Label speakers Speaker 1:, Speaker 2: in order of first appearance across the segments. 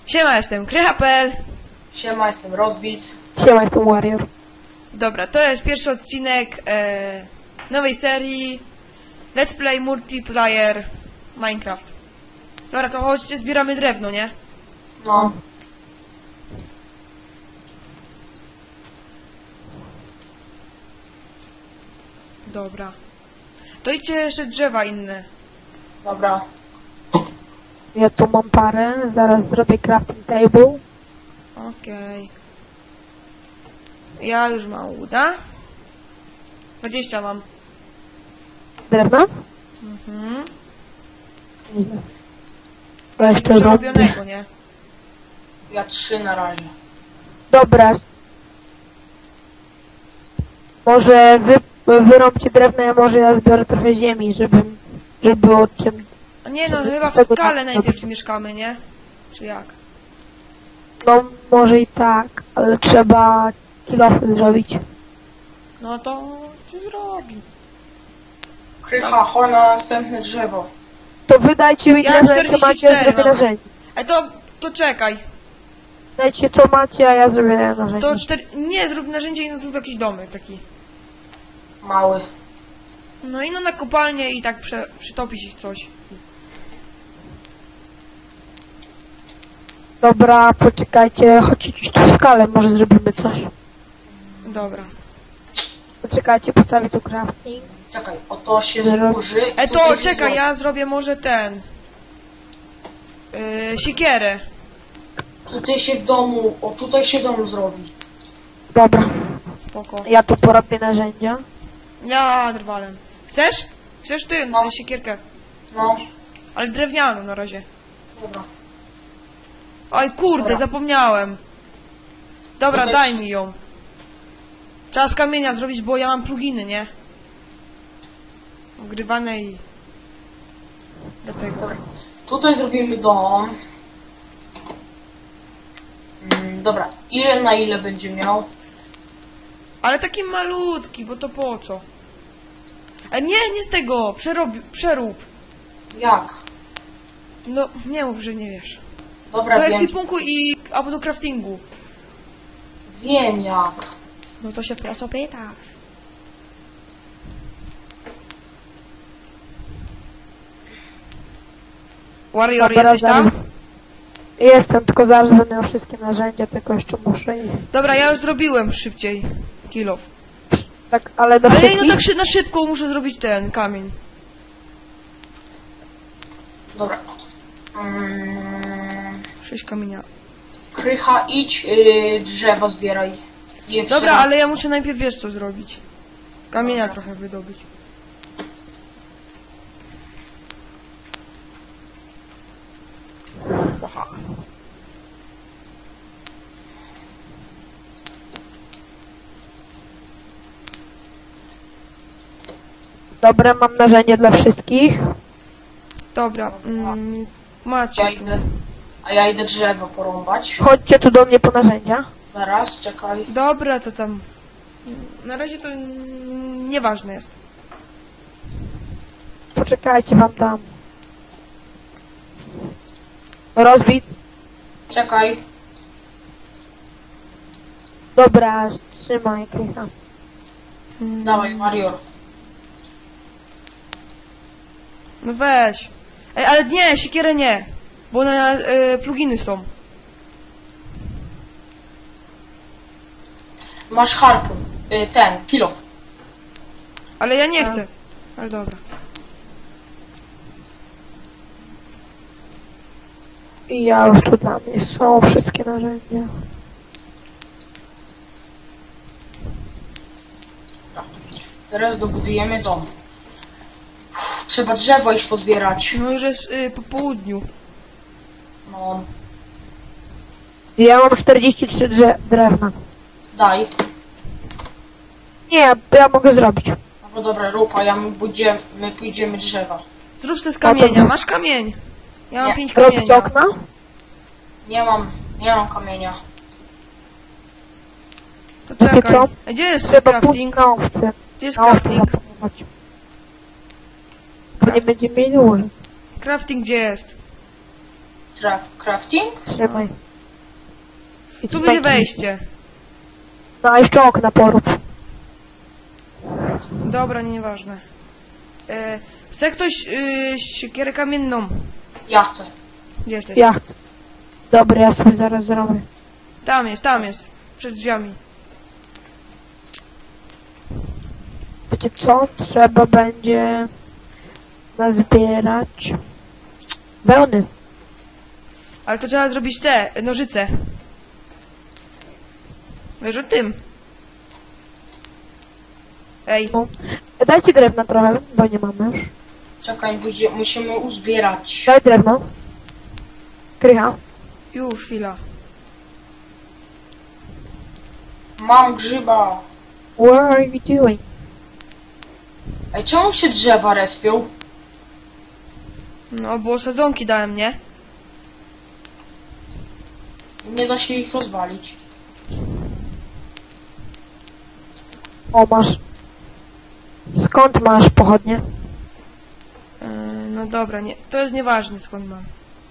Speaker 1: Siema, jestem Krycha.pl.
Speaker 2: Siema, jestem Rozbic.
Speaker 3: Siema, jestem Warrior.
Speaker 1: Dobra, to jest pierwszy odcinek nowej serii Let's Play Multiplayer Minecraft. Dobra, to chodźcie, zbieramy drewno, nie?
Speaker 2: No.
Speaker 1: Dobra. To idźcie jeszcze drzewa inne.
Speaker 2: Dobra.
Speaker 3: Ja tu mam parę, zaraz zrobię crafting table.
Speaker 1: Okej. Ja już mam uda. 20 mam.
Speaker 3: Drewna?
Speaker 1: Mhm.
Speaker 3: Nieźle. Ja jeszcze robię.
Speaker 1: Przerobionego, nie?
Speaker 2: Ja 3 na razie.
Speaker 3: Dobra. Może wyrąbcie drewno, a może ja zbiorę trochę ziemi, żeby było czym...
Speaker 1: A nie no,
Speaker 3: Żeby
Speaker 1: chyba w
Speaker 3: tego
Speaker 1: skale
Speaker 3: tak
Speaker 1: najpierw
Speaker 3: robić.
Speaker 1: mieszkamy, nie? Czy jak?
Speaker 3: No, może i tak, ale trzeba kilofy zrobić.
Speaker 1: No to się zrobi.
Speaker 2: Krycha, chodź na następne drzewo.
Speaker 3: To wydajcie mi
Speaker 1: Ja
Speaker 3: drewno, jakie
Speaker 1: 44
Speaker 3: macie, zrobię
Speaker 1: mam.
Speaker 3: narzędzie.
Speaker 1: To czekaj.
Speaker 3: Dajcie co macie, a ja zrobię narzędzie.
Speaker 1: To 4... Nie, zrób narzędzie i zrób jakiś domek taki.
Speaker 2: Mały.
Speaker 1: No i no na kopalnię i tak przytopić ich coś.
Speaker 3: Dobra, poczekajcie, chodźcie gdzieś tu w skalę, może zrobimy coś.
Speaker 1: Dobra.
Speaker 3: Poczekajcie, postawię tu crafting.
Speaker 2: Czekaj, oto się
Speaker 3: Zero.
Speaker 2: zburzy. i
Speaker 1: To
Speaker 2: tutaj się
Speaker 1: czekaj,
Speaker 2: zrobi.
Speaker 1: ja zrobię może ten... siekierę.
Speaker 2: Tutaj się w domu, o tutaj się dom zrobi.
Speaker 3: Dobra,
Speaker 1: Spoko.
Speaker 3: ja tu porobię narzędzia.
Speaker 1: Ja drwalem. Chcesz? Chcesz ty
Speaker 2: No.
Speaker 1: siekierkę?
Speaker 2: No,
Speaker 1: Ale drewnianą na razie.
Speaker 2: dobra.
Speaker 1: Oj kurde,
Speaker 2: Dobra.
Speaker 1: zapomniałem. Dobra,
Speaker 2: No to
Speaker 1: daj
Speaker 2: ci-
Speaker 1: mi ją. Trzeba z kamienia zrobić, bo ja mam pluginy, nie? Ogrywane i... Dlatego.
Speaker 2: Dobra. Tutaj zrobimy dom. Dobra, ile na ile będzie miał?
Speaker 1: Ale taki malutki, bo to po co? Nie z tego! Przerób!
Speaker 2: Jak?
Speaker 1: No, nie mów, że nie wiesz.
Speaker 2: Dobra,
Speaker 1: Do
Speaker 2: wiem.
Speaker 1: ekwipunku albo do craftingu.
Speaker 2: Wiem jak.
Speaker 1: No to się prosto pytasz. Warrior,
Speaker 3: Dobra,
Speaker 1: jesteś tam?
Speaker 3: Jestem, tylko zaraz będę miał wszystkie narzędzia, tylko jeszcze muszę i...
Speaker 1: Dobra, ja już zrobiłem szybciej. Kill off.
Speaker 3: Tak, ale do
Speaker 1: Ale
Speaker 3: wszystkich...
Speaker 1: no tak na szybko muszę zrobić ten kamień.
Speaker 2: Dobra.
Speaker 1: 6 kamienia.
Speaker 2: Krycha, idź drzewo zbieraj. Je
Speaker 1: Dobra,
Speaker 2: przyda-
Speaker 1: ale ja muszę najpierw wiesz co zrobić. Kamienia
Speaker 2: Dobra.
Speaker 1: trochę wydobyć. Aha.
Speaker 3: Dobra, mam narzędzie dla wszystkich.
Speaker 1: Dobra, macie.
Speaker 2: Ja idę, a ja idę drzewo porąbać.
Speaker 3: Chodźcie tu do mnie po narzędzia.
Speaker 2: Zaraz, czekaj.
Speaker 1: Dobra, to tam. Na razie to nieważne jest.
Speaker 3: Poczekajcie, wam dam. Rozbic.
Speaker 2: Czekaj.
Speaker 3: Dobra, trzymaj, Krycha.
Speaker 2: Dawaj, Warrior.
Speaker 1: No weź. Ej, ale nie, siekierę nie. Bo na pluginy są.
Speaker 2: Masz harpun. Ten, kilof.
Speaker 1: Ale ja nie
Speaker 3: A.
Speaker 1: chcę. Ale dobra.
Speaker 3: I ja już tu dla mnie są wszystkie narzędzia.
Speaker 2: Teraz dobudujemy dom. Trzeba drzewo iść pozbierać.
Speaker 1: No już jest po południu.
Speaker 2: No,
Speaker 3: Ja mam 43 drewna.
Speaker 2: daj.
Speaker 3: Nie, ja mogę zrobić.
Speaker 2: No dobra, rób, a my pójdziemy drzewa.
Speaker 1: Zrób se z kamienia.
Speaker 3: to-
Speaker 1: Masz kamień? Ja mam
Speaker 2: Nie.
Speaker 1: 5
Speaker 3: Robić
Speaker 1: kamienia.
Speaker 3: okna?
Speaker 2: Nie mam kamienia.
Speaker 1: To
Speaker 3: No to
Speaker 1: czekaj.
Speaker 3: co?
Speaker 1: A gdzie jest
Speaker 3: Trzeba pójść
Speaker 1: crafting?
Speaker 3: na owce.
Speaker 1: Gdzie jest
Speaker 3: Na owce
Speaker 1: crafting?
Speaker 3: zapomnieć. Bo nie będziemy mieli łóżek.
Speaker 1: Crafting gdzie jest?
Speaker 2: crafting?
Speaker 3: Trzymaj. I
Speaker 1: Tu będzie
Speaker 3: cmeki.
Speaker 1: wejście.
Speaker 3: No a jeszcze okna porób.
Speaker 1: Dobra, nieważne. Chce ktoś siekierę kamienną?
Speaker 2: Ja chcę.
Speaker 1: Gdzie jesteś?
Speaker 3: Ja chcę. Dobra, ja sobie zaraz zrobię.
Speaker 1: Tam jest. Przed drzwiami.
Speaker 3: Wiecie co? Trzeba będzie nazbierać wełny.
Speaker 1: Ale to trzeba zrobić te nożyce. Wiesz o tym? Ej,
Speaker 3: No. Dajcie drewna trochę, bo nie mamy już.
Speaker 2: Czekaj, musimy uzbierać.
Speaker 3: Daj drewno. Krycha.
Speaker 1: już chwila.
Speaker 2: Mam grzyba.
Speaker 3: What are you doing?
Speaker 2: Ej, czemu się drzewa respią?
Speaker 1: No, bo sadzonki dałem, nie?
Speaker 2: Nie da się ich rozwalić.
Speaker 3: O, masz. Skąd masz pochodnie?
Speaker 1: No dobra, nie. To jest nieważne skąd mam.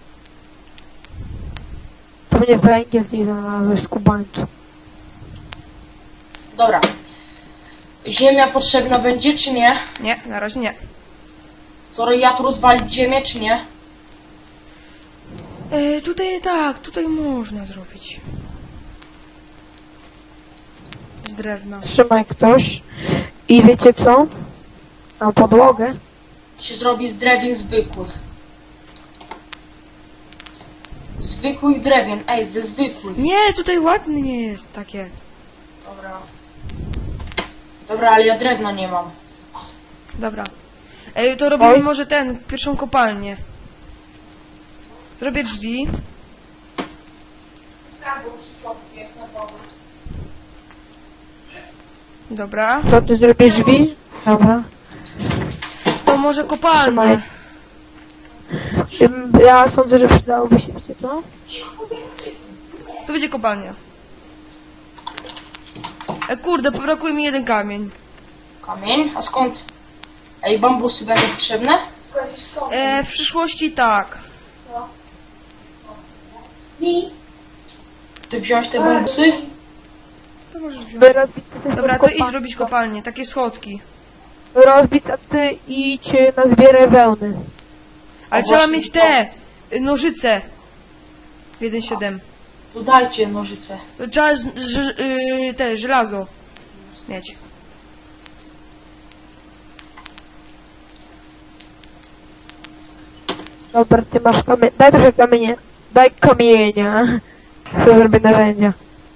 Speaker 3: Pewnie węgiel gdzieś znalazłeś z kubańcu.
Speaker 2: Dobra. Ziemia potrzebna będzie, czy nie?
Speaker 1: Nie, na razie nie.
Speaker 2: To ja tu rozwalić ziemię, czy nie?
Speaker 1: Tutaj tak, tutaj można zrobić. Z drewna.
Speaker 3: Trzymaj ktoś. I wiecie co? Na podłogę.
Speaker 2: Się zrobi z drewien zwykłych. Zwykłych drewien, ej, ze zwykłych.
Speaker 1: Nie, tutaj ładny nie jest takie.
Speaker 2: Dobra. Dobra, ale ja drewna nie mam.
Speaker 1: Dobra. To robimy
Speaker 3: Oj.
Speaker 1: może pierwszą kopalnię. Zrobię drzwi. Dobra.
Speaker 3: To ty zrobisz drzwi? Dobra.
Speaker 1: To może kopalnię.
Speaker 3: Trzymaj. Ja sądzę, że przydałoby się, wiecie co?
Speaker 1: To będzie kopalnia. Kurde, brakuje mi jeden kamień.
Speaker 2: Kamień? A skąd? Ej, bambusy będą potrzebne?
Speaker 1: W przyszłości tak.
Speaker 2: Ty wziąć te bambusy?
Speaker 1: To możesz wziąć.
Speaker 3: By rozbić sobie
Speaker 1: Dobra, to idź zrobić kopalnię. Takie schodki.
Speaker 3: Rozbić, a ty idź na zbierę wełny.
Speaker 1: Ale
Speaker 2: O,
Speaker 1: trzeba
Speaker 2: właśnie,
Speaker 1: mieć te nożyce. W 1.7.
Speaker 2: To dajcie nożyce.
Speaker 1: Trzeba te żelazo mieć.
Speaker 3: Dobra, ty masz kamień. Daj trochę kamienia. Daj kamienia. Co zrobię narzędzia.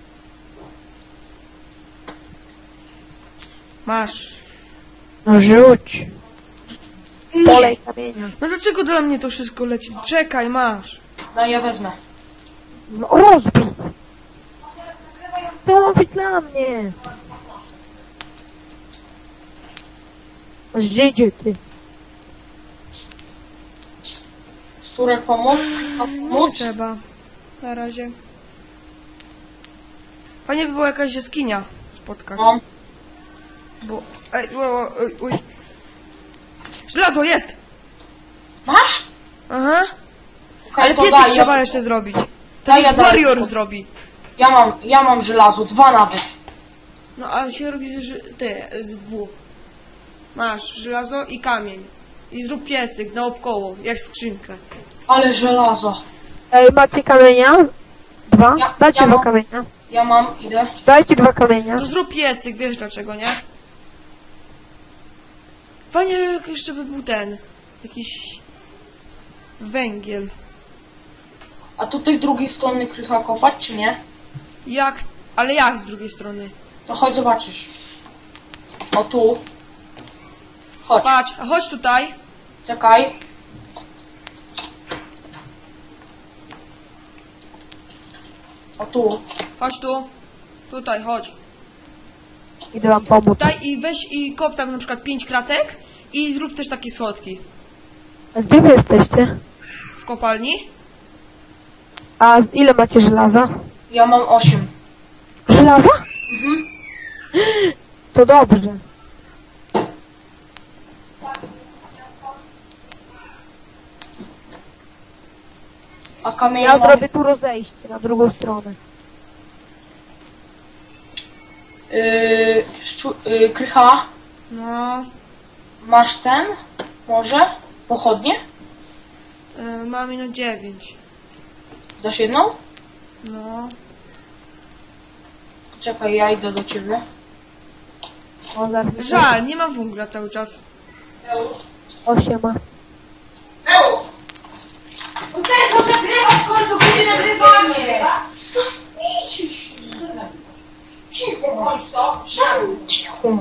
Speaker 1: Masz.
Speaker 3: No rzuć. Polej kamienia.
Speaker 1: No dlaczego dla mnie to wszystko leci? Czekaj, masz.
Speaker 2: No ja wezmę.
Speaker 3: No rozbić. To ma być dla mnie. Zdzidzie ty.
Speaker 2: Szczurek pomóc? A
Speaker 1: Nie
Speaker 2: pomóc?
Speaker 1: trzeba. Na razie. Fajnie by była jakaś jaskinia spotkać.
Speaker 2: No.
Speaker 1: Bo... Ej, uj. Żelazo jest!
Speaker 2: Masz?
Speaker 1: Aha.
Speaker 2: Okej,
Speaker 1: Ale
Speaker 2: to
Speaker 1: piecyk
Speaker 2: daj.
Speaker 1: trzeba jeszcze zrobić. To
Speaker 2: Daj, ja
Speaker 1: niech
Speaker 2: daję.
Speaker 1: Warrior zrobi.
Speaker 2: Ja mam żelazo, 2 nawet.
Speaker 1: No a się robi z dwóch. Masz żelazo i kamień. I zrób piecyk naokoło, jak skrzynkę.
Speaker 2: Ale żelazo.
Speaker 3: Ej, macie kamienia? 2?
Speaker 2: Ja-
Speaker 3: Dajcie
Speaker 2: ja
Speaker 3: 2
Speaker 2: mam.
Speaker 3: kamienia.
Speaker 2: Ja mam, idę.
Speaker 3: Dajcie 2 kamienia.
Speaker 1: To zrób piecyk, wiesz dlaczego, nie? Fajnie jak jeszcze by był jakiś węgiel.
Speaker 2: A tutaj z drugiej strony krycha kopać, czy nie?
Speaker 1: Ale jak z drugiej strony?
Speaker 2: To chodź zobaczysz. O tu. Chodź,
Speaker 1: Patrz, a chodź tutaj.
Speaker 2: czekaj. O tu.
Speaker 1: Chodź tu. Tutaj, chodź.
Speaker 3: Idę wam pomóc.
Speaker 1: Tutaj i weź i kop tam na przykład 5 kratek i zrób też takie schodki.
Speaker 3: A gdzie wy jesteście?
Speaker 1: W kopalni.
Speaker 3: A ile macie żelaza?
Speaker 2: Ja mam 8.
Speaker 3: Żelaza?
Speaker 2: Mhm.
Speaker 3: To dobrze.
Speaker 2: A kamienie
Speaker 3: Ja
Speaker 2: mam...
Speaker 3: zrobię tu rozejście na drugą stronę.
Speaker 2: Krycha,
Speaker 1: No,
Speaker 2: masz ten? Może? Pochodnie?
Speaker 1: mam minut 9.
Speaker 2: Dasz jedną?
Speaker 1: No,
Speaker 2: Czekaj, ja idę do ciebie.
Speaker 3: O, zaraz
Speaker 1: żal, nie mam węgla cały czas.
Speaker 3: O, siema.
Speaker 2: Eusz! No też on nagrywa, w końcu kupię nagrywanie! Cicho bądź to! Cicho!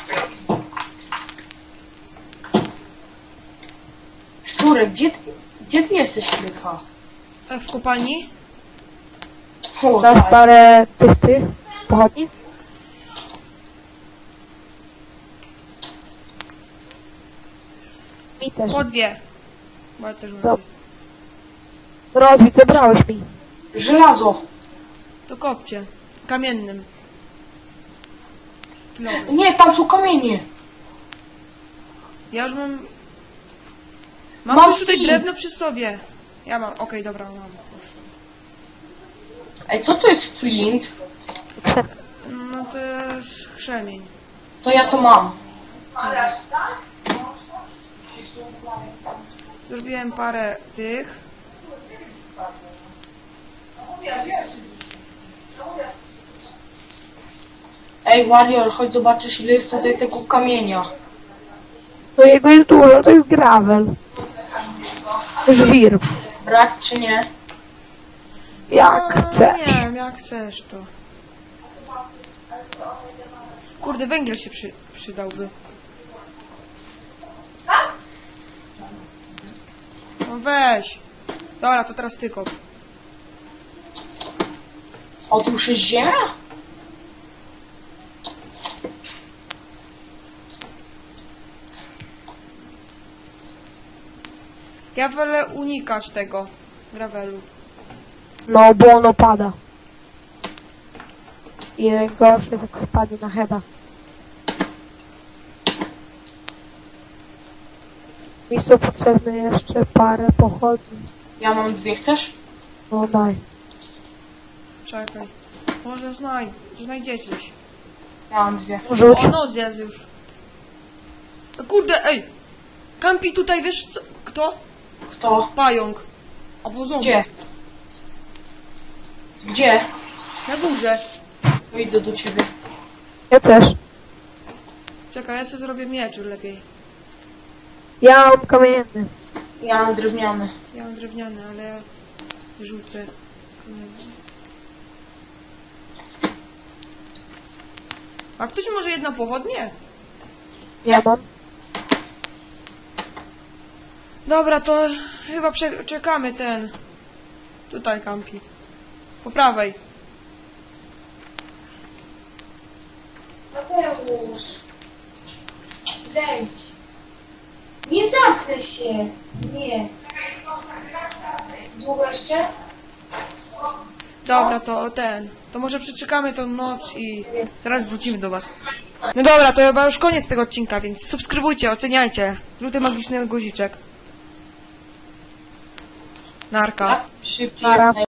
Speaker 2: Szczurek, gdzie ty jesteś, Krycha?
Speaker 1: W kopalni?
Speaker 2: O,
Speaker 3: Dasz
Speaker 2: tak.
Speaker 3: parę tych pochodni? Mi też.
Speaker 1: Po 2. Bo ja też mam.
Speaker 3: Dob- Rozbić, zebrałeś mi.
Speaker 2: Żelazo!
Speaker 1: To kopcie. Kamiennym. No.
Speaker 2: Nie, tam są kamienie!
Speaker 1: Ja już mam... Mam
Speaker 2: Mam
Speaker 1: już tutaj
Speaker 2: flint.
Speaker 1: drewno przy sobie. Ja mam, okej, dobra, mam.
Speaker 2: Ej, co to jest flint?
Speaker 1: No to jest krzemień.
Speaker 2: To ja to mam.
Speaker 1: Zrobiłem parę tych.
Speaker 2: Ej, Warrior, chodź zobaczysz, ile jest tutaj tego kamienia.
Speaker 3: No jego jest dużo, to jest gravel. Żwir.
Speaker 2: Brać czy nie?
Speaker 3: Jak
Speaker 1: No,
Speaker 3: chcesz.
Speaker 1: nie wiem, jak chcesz to. Kurde, węgiel się przydałby. No weź. Dobra, to teraz ty kop.
Speaker 2: O, tu już jest ziemia?
Speaker 1: Ja wolę unikać tego gravelu.
Speaker 3: No, bo ono pada. I najgorsze jest jak spadnie na heada. Mi są potrzebne jeszcze parę pochodni.
Speaker 2: Ja mam 2, chcesz?
Speaker 3: No daj.
Speaker 1: Czekaj. Może znajdziecie się.
Speaker 2: Ja mam 2.
Speaker 3: Rzuć.
Speaker 1: O, no zjadł już. Kurde, ej! Kampi tutaj, wiesz co? Kto?
Speaker 2: Kto?
Speaker 1: Pająk. Albo zombie.
Speaker 2: Gdzie? Gdzie?
Speaker 1: Na górze.
Speaker 2: Wyjdę do ciebie.
Speaker 3: Ja też.
Speaker 1: Czekaj, ja sobie zrobię miecz lepiej.
Speaker 3: Ja mam kamienny.
Speaker 2: Ja mam drewniany.
Speaker 1: Ja mam drewniany, ale ja rzucę. A ktoś może jedną pochodnię?
Speaker 3: Ja mam.
Speaker 1: Dobra, to chyba czekamy ten. Tutaj kampi. Po prawej.
Speaker 4: Mateusz, zejdź. Nie zamknę się. Nie. Długo jeszcze?
Speaker 1: Dobra, to ten. To może przeczekamy tą noc i teraz wrócimy do was. No dobra, to chyba już koniec tego odcinka, więc subskrybujcie, oceniajcie. Luty magiczny guziczek. Narka.
Speaker 2: Tak? Szybciej.
Speaker 3: Nara.
Speaker 2: jak